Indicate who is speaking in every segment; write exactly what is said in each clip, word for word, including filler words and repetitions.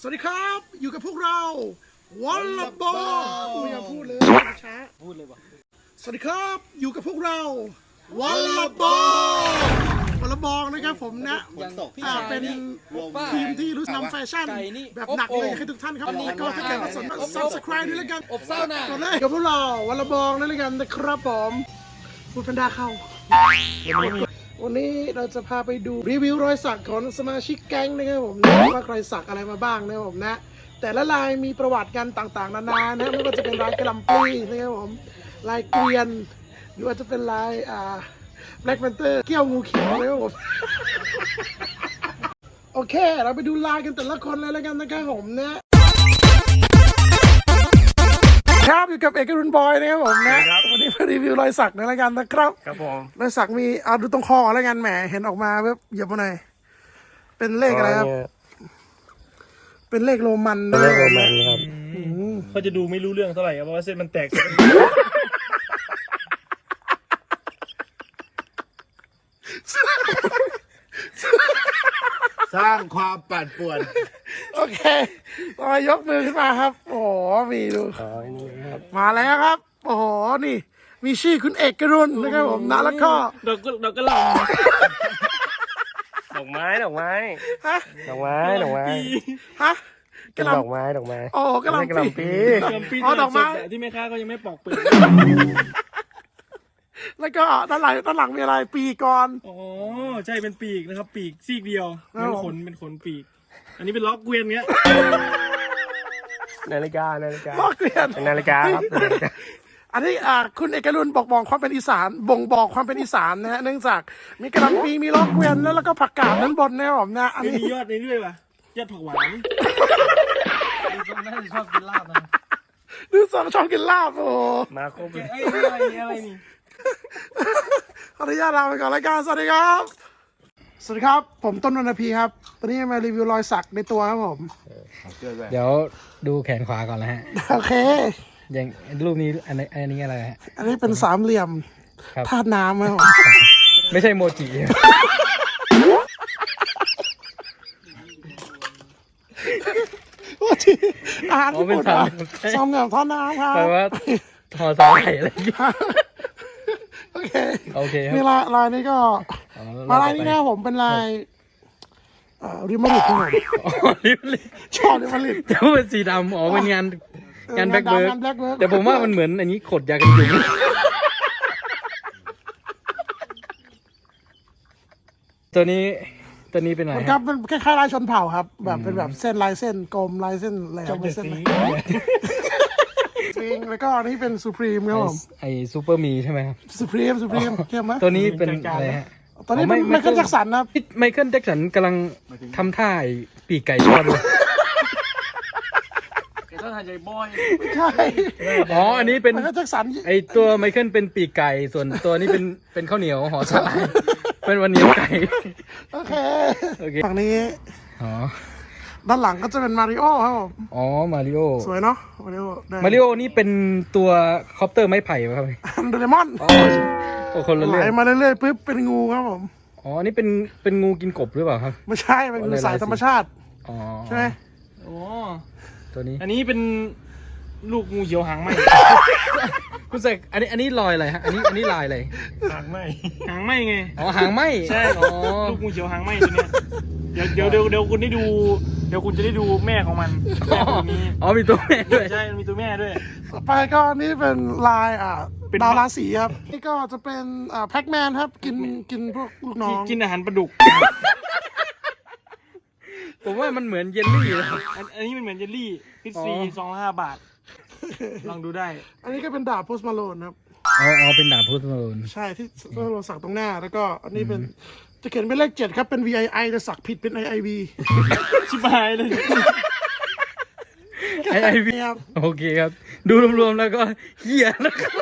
Speaker 1: สวัสดีครับอยู่กับพวกเราวอลเลย์บอลไม่อยากพูดเลยช้าพูดเลยวะสวัสดีครับอยู่กับพวกเราวอลเลย์บอลวอลเลย์บอลนะครับผมนะอ่าเป็นทีมที่รู้นำแฟชั่นแบบหนักเลยให้ทุกท่านครับแล้วก็ถ้าเกิดว่าสนใจ subscribe ด้วยแล้วกันอบเศร้าหน่ากดเลยกับพวกเราวอลเลย์บอลด้วยกันนะครับผมพูดแพนด้าเข้าวันนี้เราจะพาไปดูรีวิวรอยสักของสมาชิกแก๊งนะครับผมนะว่าใครสักอะไรมาบ้างนะครับผมนะแต่ละลายมีประวัติกันต่างๆนานานะไม่ว่าจะเป็นลายกระลำปีนะครับผมลายเกวียนหรือว่าจะเป็นลายอ่าแบล็กแพนเตอร์เกี้ยวงูเขียวนะครับผม โอเคเราไปดูลายกันแต่ละคนเลยแล้วกันนะครับผมนะครับอยู่กับเอกรุณบอยนะครับผมนะวันนี้มารีวิวรอยสักในรายการนะครับ
Speaker 2: ครับผม
Speaker 1: รอยสักมีเอาดูตรงคอแล้วกันแหมเห็นออกมาแบบเหยียบมาหน่อยเป็นเลขอะไรครับเป็นเลขโรมันนะ
Speaker 2: เลขโรมันครับ
Speaker 3: เขาจะดูไม่รู้เรื่องเท่าไหร่เพราะว่าเส้นมันแตก
Speaker 2: สร้างความปั่นป่วน
Speaker 1: โอเคต่อยกมือขึ้นมาครับโอ้โหมีดูมาแล้วครับโอ้โหนี่มีชื่อคุณเอกกรุณนะครับผมนะแล้วก็
Speaker 3: ดอกดอกกระหล่ำ
Speaker 2: ดอกไม้ดอกไม้
Speaker 1: ฮะ
Speaker 2: ดอกไม้ดอกไม้
Speaker 1: ฮะ
Speaker 2: กระดอกไม้ดอกไม้
Speaker 1: โอ้กระหล่ำปี
Speaker 3: กระหล่ำปีอ๋อดอกไม้ที่แม่ค้าก็ยังไม่ปอกเปลือก
Speaker 1: แล้วก็ด้านหลังด้านหลังมีอะไรปีกก่อน
Speaker 3: อ๋อใช่เป็นปีกนะครับปีกซีกเดียวเป็นขนเป็นขนปีกอันนี้เป็นล็อกเกวียนเงี้ย
Speaker 2: นาฬิกานาฬิกา
Speaker 1: ล็อกเกวียน
Speaker 2: นาฬิกาครับ
Speaker 1: อันนี้อ่าคุณเอกรุณบอกบอกความเป็นอีสานบ่งบอกความเป็นอีสานนะฮะเนื่องจากมีกระลำปีมีล็อกเกวียนแล้วแล้วก็ผักกาดนั้นบนนะครับผมนะ
Speaker 3: อันนี้มียอดในด้วยป่ะยอดผักหวานดูทรงน่าจะชอบกินลาบนะ
Speaker 1: ดูทรงชอบกินลาบโอ้
Speaker 2: มาครบเลย
Speaker 3: ไอ้อะไรอะไรนี่
Speaker 1: ขออนุญาตลาไปก่อนรายการสวัสดีครับสวัสดีครับผมต้นวรรณพีครับตอนนี้มารีวิวรอยสักในตัวครับผม
Speaker 4: เดี๋ยวดูแขนขวาก่อนนะฮะ
Speaker 1: โอเค
Speaker 4: อย่างรูปนี้อันนี้อันนี้อะไรฮะ
Speaker 1: อันนี้เป็นสามเหลี่ยมธาตุน้ำครับผม
Speaker 4: ไม่ใช่โมจิ
Speaker 1: โมจิอาหารญี่ปุ่นสามเหลี่ยมธาตุน้ำครับ
Speaker 4: แปลว่าทอสาหร่ายอะไรอย่างเงี้ย
Speaker 1: โอเค
Speaker 4: โอเคครับ
Speaker 1: นี่ลายลายนี้ก็มาลายนี้นะผมเป็นลายริมริดครับผม
Speaker 4: ริมริด
Speaker 1: ชอบริมริด
Speaker 4: แต่ว่าเป็นสีดำอ๋อเป็นงานงานแบล็คเบิร์ดแต่ผมว่ามันเหมือนอันนี้ขดยากันยุงตัวนี้ตัวนี้เป็นอะไร
Speaker 1: ครับเป็นคล้ายๆลายชนเผ่าครับแบบเป็นแบบเส้นลายเส้นกลมลายเส้นอะไรเป็นเส้นจริงแล้วก็อันนี้เป็นซูพรีมครับผม
Speaker 4: ไอซูเปอร์มีใช่ไหมครับ
Speaker 1: ซูพรีมซูพรีมเข้มไหม
Speaker 4: ตัวนี้เป็นอะไรฮะ
Speaker 1: ตอนนี้ไมเคิลแจ็คสันนะ
Speaker 4: ไมเคิลแจ็คสันกำลังทำท่าปีกไก่ทอดเลย
Speaker 3: ถ้าทานใจบอย
Speaker 1: ใช่
Speaker 4: อ๋ออันนี้เป็น
Speaker 1: ไมเคิลแจ็คสัน
Speaker 4: ไอตัวไมเคิลเป็นปีกไก่ส่วนตัวนี้เป็นเป็นข้าวเหนียวห่อสาหร่ายเป็นวันเหนียวไก่
Speaker 1: โอเคฝั่งนี้
Speaker 4: อ๋อ
Speaker 1: ด้านหลังก็จะเป็นมาริโอครับผม
Speaker 4: อ๋อมาริโอ
Speaker 1: สวยเนาะมาริโอ
Speaker 4: มาริโอนี่เป็นตัวคอปเตอร์ไม้ไผ่ไหมครับ
Speaker 1: โดเรมอน
Speaker 4: อ๋อคนละเรื่อง
Speaker 1: ไหลมาเรื่อยๆปุ๊บเป็นงูครับผม
Speaker 4: อ๋อนี่เป็นเป็นงูกินกบหรือเปล่าครับ
Speaker 1: ไม่ใช่เป็นงูสายธรรมชาติ
Speaker 4: อ๋อ
Speaker 1: ใช่ไหม
Speaker 3: อ๋อ
Speaker 4: ตัวนี้
Speaker 3: อันนี้เป็นลูกงูเขียวหางไหม
Speaker 4: คุณเสกอันนี้อันนี้ลอยอะไรฮะอันนี้อันนี้ลายอะไร
Speaker 3: หางไหมหางไหมไง
Speaker 4: อ๋อหางไหม
Speaker 3: ใช่อ๋อลูกงูเขียวหางไหมตัวเนี้ยเดี๋ยวเดี๋ยวเดี๋ยวเดี๋ยวคุณได้ดูเดี๋ยวคุณจะได้ดูแม่ของมันแม่ตัวนี้
Speaker 4: อ๋อมีตัวแม่ด้วย
Speaker 3: ใช่มีตัวแม่ด้วย
Speaker 1: ต่อไปก็นี่เป็นลายอ่าดาวราศีครับนี่ก็จะเป็นอ่าแพ็กแมนครับกินกินพวกลูกน้อง
Speaker 3: กินอาหารปลาดุก
Speaker 4: ผมว่ามันเหมือนเยลลี่เลย
Speaker 3: อันนี้มันเหมือนเยลลี่พิซซี่ซองละห้าบาทลองดูได้
Speaker 1: อันนี้ก็เป็นดาบโพสมาโลนครับ
Speaker 4: อ๋ออ๋อเป็นดาบโพสมาโลน
Speaker 1: ใช่ที่เราสักตรงหน้าแล้วก็อันนี้เป็นจะเขียนเป็นเลขเจ็ดครับเป็น วี ไอ ไอ แต่สักผิดเป็น ไอ ไอ วี
Speaker 3: ชิบหายเลย
Speaker 4: ไอ ไอ วี ครับโอเคครับดูรวมๆแล้วก็เหี้ยนะครับ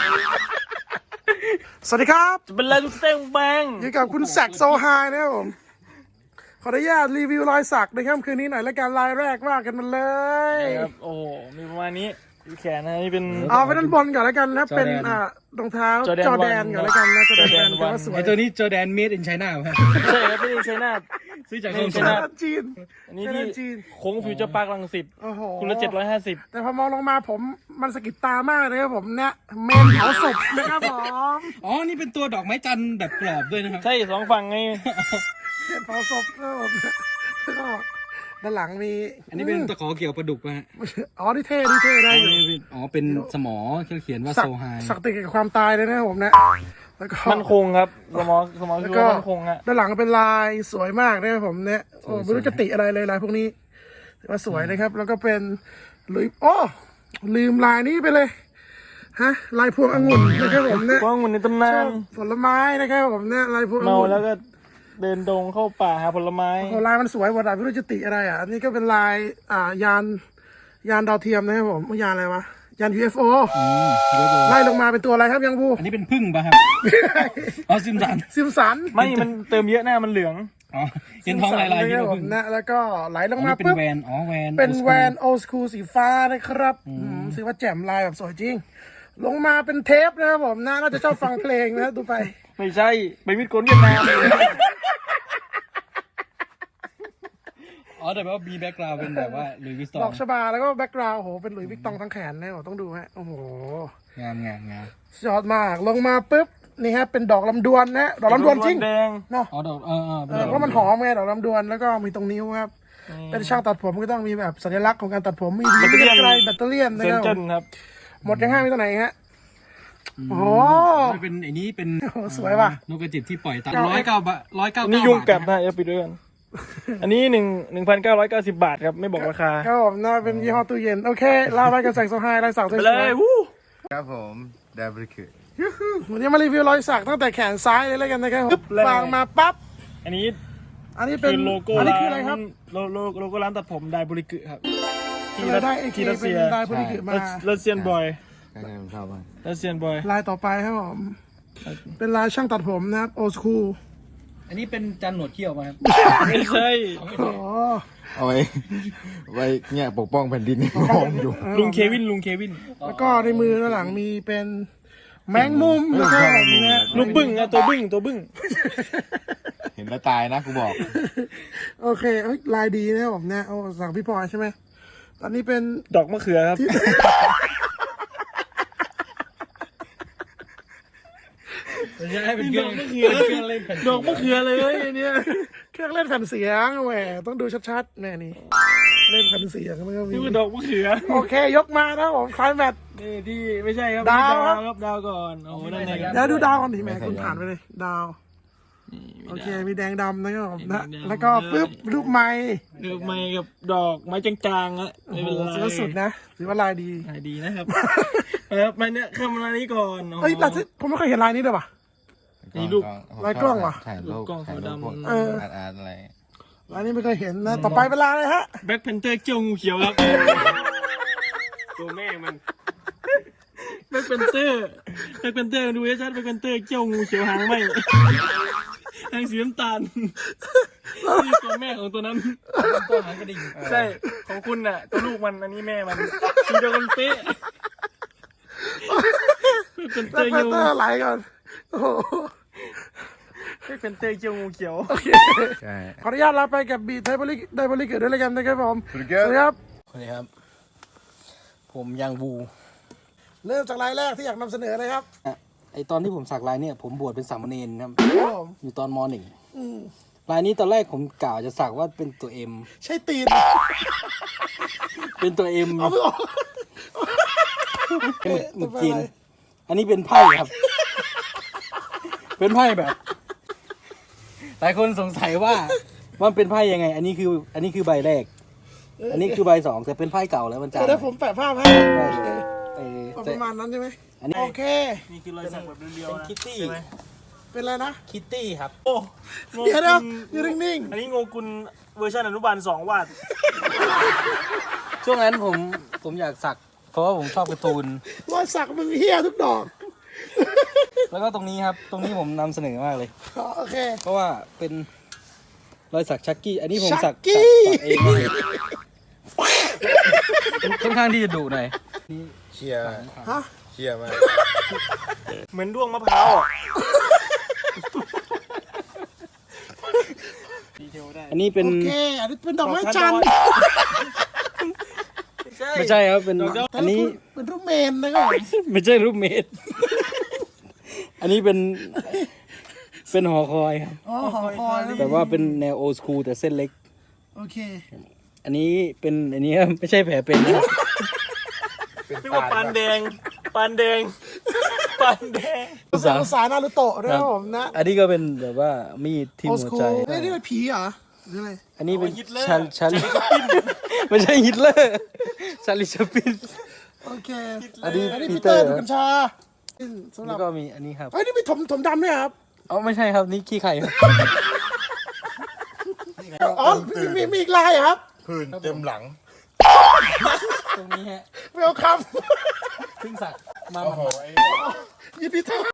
Speaker 1: สวัสดีครับ
Speaker 3: จะเป็นอะไรทุกเต้งแบง
Speaker 1: อยู่กับคุณแซกโซไฮนะครับผมขออนุญาตรีวิวรอยสักในค่ำคืนนี้หน่อยแล้วกันรายแรกว่ากันมาเลย
Speaker 3: ครับโอ้มีประมาณนี้ดูแขนนะนี่เป็น
Speaker 1: เอาไปด้านบนก่อนแล้วกันนะเป็นอ่ารองเท้าจอแดนก่อนแล้วกันนะจอแดนก็สวย
Speaker 4: ไอตัวนี้จอแดนเมดอินไชน่าครับ
Speaker 3: ใช่ครับไม่ใช่ไชน่า
Speaker 4: ซื้อจาก
Speaker 3: นี่
Speaker 4: โรง
Speaker 3: ใช่
Speaker 4: ช
Speaker 3: ไหม
Speaker 4: นะ
Speaker 1: จีน
Speaker 3: อันนี้
Speaker 1: แค่
Speaker 3: ที่
Speaker 1: นั้นจีน
Speaker 3: โค้งฟิวเจอร์พาร์ครังสิต
Speaker 1: โอ้โห
Speaker 3: คุณละเจ็ดร้อยห้าสิบ
Speaker 1: แต่พอมองลงมาผมมันสะกิดตามากเลยครับผมเนี่ยเมนเผาศพนะครับผม
Speaker 4: อ๋อนี่เป็นตัวดอกไม้จันทร์แบบกรอบด้วยนะครับ
Speaker 3: ใช่สองฝั่งไง
Speaker 1: เมนเผาศพนะครับผมแล้วก็ด้านหลังมี
Speaker 4: อันนี้เป็นตะขอเกี่ยวปลาดุกป่ะฮะ
Speaker 1: อ๋อนี่เท่นี่เท่ได้
Speaker 4: อ๋อ
Speaker 1: อยู่
Speaker 4: นี่เป็นอ๋อเป็นสมอเขียนว่า
Speaker 1: สั
Speaker 4: โซ
Speaker 1: ก
Speaker 4: ไฮ
Speaker 1: สักติดกับความตายเลยนะครับผมนะแล้วก็
Speaker 3: มันคงครับสมองสมอง
Speaker 1: แล้ว
Speaker 3: คือ
Speaker 1: ก็
Speaker 3: ว่ามันคงอะ
Speaker 1: ด้านหลังเป็นลายสวยมากนะครับผมเนี่ยโอ้ไม่รู้จะติอะไรเลยลายพวกนี้ถือว่าสวยนะครับ แล้วก็เป็นหลุยโอ้ลืมลายนี้ไปเลยฮะลายพวงองุ่นนะครับผมเนี่ย
Speaker 3: ว่ามันในตำนาน
Speaker 1: ผลไม้นะครับผมเนี่ยลายพวงองุ่น
Speaker 3: เมาแล้วก็เดินดงเข้าป่าหาผลไม้
Speaker 1: โอ้ลายมันสวยหมดอะไม่รู้จะติอะไรอ่ะอันนี้ก็เป็นลายอ่ายานยานดาวเทียมนะครับผมยานอะไรวะยาน ยู เอฟ โอ
Speaker 4: อืมเดี๋ยวดู
Speaker 1: ไล่ลงมาเป็นตัวอะไรครับยังบู
Speaker 4: อันนี้เป็นพึ่งป่ะครับอ๋อซิมสัน
Speaker 1: ซิมสัน
Speaker 3: ไม่มันเติมเยอะหน้ามันเหลือง
Speaker 4: อ๋อเห็นท้องลายลาย
Speaker 1: ซิ
Speaker 4: นี่
Speaker 1: ม
Speaker 4: ก็
Speaker 1: สัน
Speaker 4: พึ่ง
Speaker 1: นะแล้วก็ไหลล
Speaker 4: อ๋
Speaker 1: ง
Speaker 4: อ
Speaker 1: มา
Speaker 4: นี่เป็น
Speaker 1: ปุ๊บ
Speaker 4: แวนอ๋อแวน
Speaker 1: เป็น
Speaker 4: old
Speaker 1: แว
Speaker 4: school
Speaker 1: นโอสคูลสีฟ้านะครับอืมถือว่าแจ่มลายแบบสวยจริง ลงมาเป็นเทปนะครับผมนะน่าจะชอบฟังเพลงนะดูไป
Speaker 3: ไม่ใช่ไปมิดโกนเวียดนาม
Speaker 4: อ๋อแต่ว่ามีแบ็กกราวด์เป็นแบบว่าหลุยส์วิสตอ
Speaker 1: ดอง กชบาแล้วก็แบ็กกราวด์โหเป็นหลุยส์วิกตองทั้งแขนนะต้องดูฮะโอ้โห
Speaker 4: งามงามงาม
Speaker 1: ยอดมากลงมาปุ๊บนี่ฮะเป็นดอกลำดวนนะดอกลำดวนจริง
Speaker 3: แดง
Speaker 1: เนาะ
Speaker 4: อ๋อดอกเออเออ
Speaker 1: เออเพราะมันหอมไงดอกลำดวนแล้วก็มีตรงนิ้วครับเป็นช่างตัดผมก็ต้องมีแบบสัญลักษณ์ของการตัดผมมีดีมีไกลแบตเตอรี่นะ
Speaker 3: เซน
Speaker 1: ครับ
Speaker 3: เจนครับ
Speaker 1: หมดยังห้ามีตัวไหนฮะโอ้โห
Speaker 4: มันเป็นไอ้นี้เป็น
Speaker 1: โอ้โหสวยว่ะ
Speaker 4: นกกระจิบที่ปล่อยตามร้อยเก้าบาทร้อยเก้า
Speaker 3: อันนี้
Speaker 4: เก้า
Speaker 3: ยุง
Speaker 4: บาท
Speaker 3: กัดนะอย่าปิดด้วยกันอันนี้หนึ่งหนึ่งพันเก้าร้อยเก้าสิบบาทครับไม่บอกราคา
Speaker 1: ครับผมน่าเป็นยี่ห้อตู้เย็นโอเคลาไปกับแสงโซไฮลายสักส
Speaker 3: ไป
Speaker 1: วย
Speaker 3: เลยวู้
Speaker 5: ครับผมดาบริคือ
Speaker 1: ๆวันนี้มารีวิวรอยสักตั้งแต่แขนซ้ายเลยแล้วกันนะครับวางมาปั๊บ
Speaker 3: อันนี้
Speaker 1: อันนี้เป็
Speaker 3: คื
Speaker 1: น
Speaker 3: อโลโก้
Speaker 1: อันนี้
Speaker 3: ร้า
Speaker 1: คืออะไรครับ
Speaker 3: นโลโลโลโก้ร้านตัดผมไดบริกึครับ
Speaker 1: เราได้ไอเค
Speaker 3: ที่รัส
Speaker 1: เป็
Speaker 3: เซี
Speaker 1: น
Speaker 3: ย
Speaker 1: ลายพลิกิมา
Speaker 3: รัสเซียนบอย
Speaker 5: ใครๆผมชอบมาก
Speaker 3: รัสเซียนบอย
Speaker 1: ลายต่อไปครับผมเป็นลายช่างตัดผมนะครับโอสคูล
Speaker 4: อันนี้เป็นจันหนวดเขี้ยวมาครับ
Speaker 3: ไม่ใช่
Speaker 1: อ๋อ
Speaker 5: เอาไว้ ไว้เนี่ยปกป้องแผ่นดินมองอยู่
Speaker 3: ลุงเควินลุงเควิน
Speaker 1: แล้วก็ในมือด้านหลังมีเป็นแมงมุมนะครับผมนะ
Speaker 3: ลูกบึ้งอะตัวบึ้งตัวบึ้ง
Speaker 5: เห็นแล้วตายนะกูบอก
Speaker 1: โอเคเอ้ยลายดีนะครับผมเนี่ยเอาสั่งพี่พลอยใช่ไหมตอนนี้เป็น
Speaker 3: ดอกมะเขือครับ
Speaker 4: ไม่ใช่เป็นเครื่อง
Speaker 3: ดอกมะเขือ
Speaker 4: เป็นเครื่องเล่นแผ่น
Speaker 3: ดอกมะเขือเลยอันเนี่ย
Speaker 1: เครื่องเล่นแผ่นเสียงแหมต้องดูชัดๆแน่นี่เล่นแผ่นเสียงมันก็มี
Speaker 3: นี่คือดอกมะเขือ
Speaker 1: โอเคยกมานะครับผมคลายแมท
Speaker 3: นี่ที่ไม่ใช่ครับ
Speaker 1: ดาว
Speaker 3: นี่
Speaker 1: ครับ
Speaker 3: ครับดาวก่อนโอ้โหนั่นไง
Speaker 1: เดี๋ยวดูดาวก่อนดิแหม่
Speaker 5: ไม่ใส่
Speaker 1: คุณ
Speaker 5: ยาง
Speaker 1: ผ่านไปเลย ดาว โอเค มีแดงดำนะครับผม
Speaker 3: มี
Speaker 1: นะ
Speaker 3: แดงดำ
Speaker 1: แล้วก็ปึ๊บรูปไม้
Speaker 3: ดอกไม้กับดอกไม้จางๆอะ
Speaker 1: โอ้
Speaker 3: ไม่
Speaker 1: โห
Speaker 3: เป็นไร
Speaker 1: ถือว่าสุดนะถือว่าลายดี
Speaker 3: ลายดีนะครับครับมาเนี่ยเข้ามานี้ก่อนโโห
Speaker 1: เอ้ยลายที่ผมไม่เคยเห็นลายนี้เลยว่ะ
Speaker 3: นี่รูป
Speaker 1: ลายกล้องว่ะ
Speaker 5: ถ่ายรูป
Speaker 3: กล้อง
Speaker 5: ถ่ายรูป
Speaker 3: ขาวดำ
Speaker 5: พวก
Speaker 1: เออ
Speaker 5: อาร์ตอาร์ตอะไร
Speaker 1: ลายนี้ไม่เคยเห็นนะ ต่อไปเป็นลายอะไรฮะ
Speaker 3: แบ็คแพนเตอร์เจ้างูเขียวครับ ตัวแม่มันแบ็คแพนเตอร์แบ็คแพนเตอร์ดูให้ชัดแบ็คแพนเตอร์เจ้างูเขียวหางไหมหางสีน้ำตาลนี่ตัวแม่ของตัวนั้น
Speaker 4: ตัวหางกระดิ่ง
Speaker 3: ใช่ของคุณน่ะ ตัวลูกมันอันนี้แม่มันสีเดียวกันเป๊ะแบ็คแพนเต
Speaker 1: แล้
Speaker 3: อ
Speaker 1: ว
Speaker 3: ร์
Speaker 1: แพน
Speaker 3: เจ้า
Speaker 1: เตอร์ลายก่อนโอ้โห
Speaker 3: แบ็คแพนเตอร์เจ้างูเขียว
Speaker 5: ใช่
Speaker 1: ขออนุญาตลาไปกับบีไทบริกไดบริกเกิดด้วยแล้วกันนะครับผม
Speaker 5: สวัสดี
Speaker 1: สวัสดี
Speaker 5: ครับ
Speaker 1: ครับ
Speaker 4: สวัสดีครับ ผมยังบู
Speaker 1: เริ่มจากลายแรกที่อยากนำเสนอเลยครับ
Speaker 4: อ่ะไอตอนที่ผมสักลายเนี่ยผมบวชเป็นสามเณรครับ
Speaker 1: ครับผม
Speaker 4: อยู่ตอนมหนึ่ง
Speaker 1: อืม
Speaker 4: ลายนี้ตอนแรกผมกล่าวจะสักว่าเป็นตัวเอ็ม
Speaker 1: ใช่ตีน
Speaker 4: เป็นตัวเอ็ม
Speaker 1: เอาไม่ออก
Speaker 4: หมึกหมึกจีน อันนี้เป็นไพ่ครับ เป็นไพ่แบบ หลายคนสงสัยว่ามันเป็นไพ่ยังไง อันนี้คือ อันนี้คือใบแรก อันนี้คือใบสองแต่เป็นไพ่เก่าแล้วมันจาง
Speaker 1: เดี๋ยวผมแปะภาพให้
Speaker 4: เออ
Speaker 1: เอา
Speaker 4: แต่
Speaker 1: ประมาณนั้นใช่ไหม
Speaker 4: อันนี้
Speaker 1: โอเค
Speaker 3: นี่คือรอยสักแบบเรียว
Speaker 4: เป็น
Speaker 3: ๆนะ
Speaker 4: คิตตี้
Speaker 3: ใช่ไหม
Speaker 1: เป็นอะไรนะ
Speaker 4: คิตตี้ครับ
Speaker 3: โอ้โง
Speaker 1: เดี๋ยวเดี๋ยว
Speaker 3: กุล
Speaker 1: อยู่นิ่ง
Speaker 3: อันนี้โงกุลเวอร์ชันอนุบาลสองวาด
Speaker 4: ช่วงนั้นผมผมอยากสัก เพราะว่าผมชอบการ์ตูน
Speaker 1: ๆรอยสักมึงเฮี้ยทุกดอก
Speaker 4: แล้วก็ตรงนี้ครับ ตรงนี้ผมนำเสนอมากเลย
Speaker 1: อ๋อโอเค
Speaker 4: เพราะว่าเป็นรอยสักชักกี้ อันนี้ผมสัก
Speaker 1: ชักกี้
Speaker 4: สักสักเองเลยค่อนข้างที่จะดุหน่อย
Speaker 5: เชียร์
Speaker 1: ฮะ
Speaker 5: เชียร์มาก
Speaker 3: เหมือนด้วงมะพร้าวอ่ะดีเทลได้
Speaker 4: อันนี้เป็น
Speaker 1: โอเคอันนี้เป็นดอกไม้จันทร์
Speaker 4: ไม่ใช่ครับเป็น
Speaker 1: แต่
Speaker 4: อันนี้
Speaker 1: เป็นรูปเมนนะครับ
Speaker 4: ไม่ใช่รูปเมดอันนี้เป็นเป็นหอคอยครับ
Speaker 1: อ๋อหอคอยนะ
Speaker 4: แต่ว่าเป็นแนวโอ s คูลแต่เส้นเล็ก
Speaker 1: โอเค
Speaker 4: อันนี้เป็นอันนี้ครับไม่ใช่แผลเป็นนะครับ
Speaker 3: เรียกว่าปานแดงปานแดงปานแดง
Speaker 4: ภาษา
Speaker 1: ภาษานารูโตะด้วยครับผมนะ
Speaker 4: อันนี้ก็เป็นแบบว่ามีดที่
Speaker 1: โอ
Speaker 4: หั
Speaker 1: ส
Speaker 4: ว
Speaker 1: คู
Speaker 4: ใจ
Speaker 1: เฮ้ยนี่เป็นผีเหรอหรืออะไร
Speaker 4: อันนี้เป็นชันชันไม่ใช่ฮิตเลอร์ชาลิชาปิน
Speaker 1: โอเค
Speaker 4: อันนี้
Speaker 1: อันนี้
Speaker 4: ปี
Speaker 1: ปี
Speaker 4: เต
Speaker 1: เต
Speaker 4: อ
Speaker 1: อ
Speaker 4: ร์
Speaker 1: ร์ดูดกัญชาสำห
Speaker 4: แล้
Speaker 1: รั
Speaker 4: ว
Speaker 1: บ
Speaker 4: ก็มีอันนี้ครับ
Speaker 1: เฮ้ยนี่มีถมถมดำด้วยครับ
Speaker 4: อ๋อไม่ใช่ครับนี่ขี้ไข่ครับ
Speaker 1: อ๋อมีมีมีอีกลายเหรอครับ
Speaker 5: พื้นเต็มหลัง
Speaker 4: ตรงนี้ฮะ
Speaker 1: เวลคัม
Speaker 4: เพิ่งสักมา
Speaker 5: โอ้โหไอ้
Speaker 1: ยินดีต้อน